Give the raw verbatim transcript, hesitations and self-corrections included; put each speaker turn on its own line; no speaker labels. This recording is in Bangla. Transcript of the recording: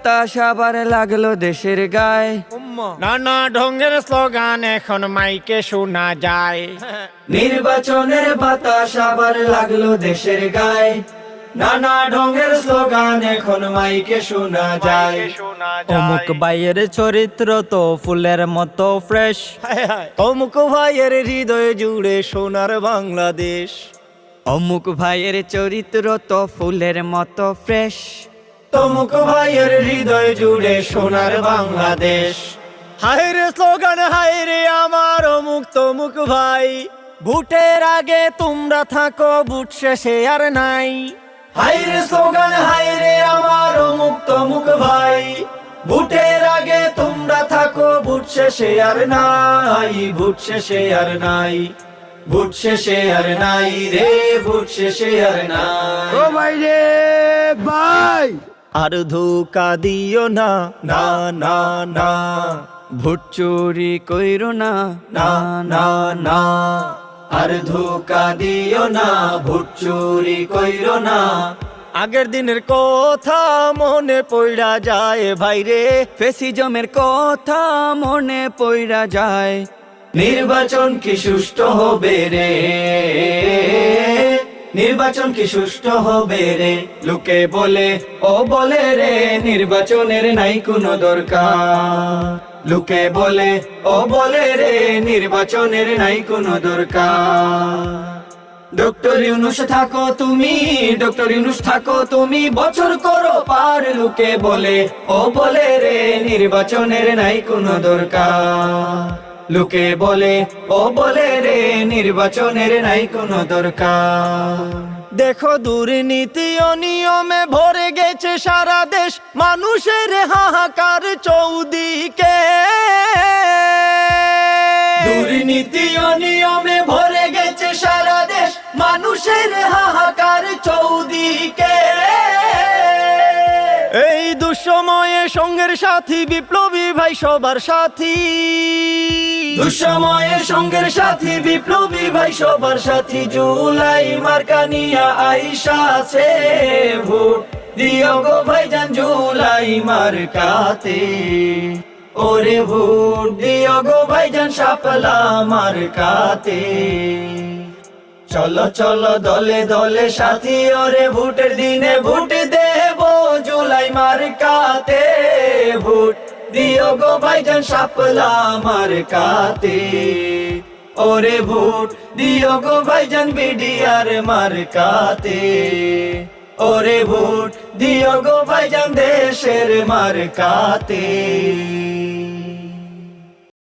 বাতাস আবার লাগলো দেশের গায়ে।
নানা ঢঙ্গের স্লোগান এখন মাইকে শোনা যায়।
নির্বাচনের বাতাস আবার লাগলো দেশের গায়ে। নানা ঢঙ্গের স্লোগান এখন মাইকে শোনা যায়।
অমুক ভাইয়ের চরিত্র তো ফুলের মতো ফ্রেশ,
অমুক ভাইয়ের হৃদয় জুড়ে সোনার বাংলাদেশ।
অমুক ভাইয়ের চরিত্র তো ফুলের মতো ফ্রেশ।
তমুক ভাইয়ের হৃদয় জুড়ে সোনার বাংলাদেশ। হায় রে স্লোগান হায় রে আমার অমুক তমুক ভাই, ভোটের আগে তোমরা থাকো ভোট শেষে আর নাই।
হায় রে স্লোগান হায় রে আমার অমুক তমুক ভাই, ভোটের আগে তোমরা থাকো ভোট শেষে আর নাই। ভোট শেষে আর নাই, ভোট শেষে আর নাই রে, ভোট শেষে আর নাই।
ও ভাই রে ভাই,
আর ধোকা দিও না, না না না।
ভোট চুরি কইরো না, না না না। আর ধোকা দিও না, ভোট চুরি কইরো না।
আগের দিনের কথা মনে পড়া যায় ভাইরে,
ফেসিজমের কথা মনে পইরা যায়। নির্বাচন কি সুষ্ঠু হবে রে, নির্বাচন কি সুষ্ঠু হবে রে। লোকে বলে ও বলে রে, নির্বাচনের নাই কোনো দরকার। লোকে বলে ও বলে রে, নির্বাচনের নাই কোনো দরকার। ডক্টর ইউনূস থাকো তুমি, ডক্টর ইউনূস থাকো তুমি, বছর করো পার। লোকে বলে ও বলে রে, নির্বাচনের নাই কোনো দরকার। লোকে বলে ও বলে রে, নির্বাচনের নাই কোনো দরকার।
দেখো দুর্নীতি অনিয়মে ভরে গেছে সারা দেশ, মানুষের হাহাকার চৌদিকে।
দুর্নীতি অনিয়মে ভরে গেছে সারা দেশ, মানুষের হাহাকার চৌদিকে।
এই দুঃসময়ে সঙ্গের সাথী বিপ্লবী ভাই সবার সাথী।
দুঃসময়ে সঙ্গের সাথী বিপ্লবী ভাই সবার সাথী। জুলাই মার্কা নিয়া আইসা আছে ভোট দিও গো ভাইজান, জুলাই মার্কাতে। ওরে ভোট দিও গো ভাইজান, শাপলা মার্কাতে। চলো চলো দলে দলে সাথী, ওরে ভোটের দিনে ভোট দেব জুলাই মার্কাতে। ভোট দিও গো ভাইজান, শাপলা মার্কাতে। ওরে ভোট দিও গো ভাইজান, বিডিআর মার্কাতে। ওরে ভোট দিও গো ভাইজান, দেশের মার্কাতে।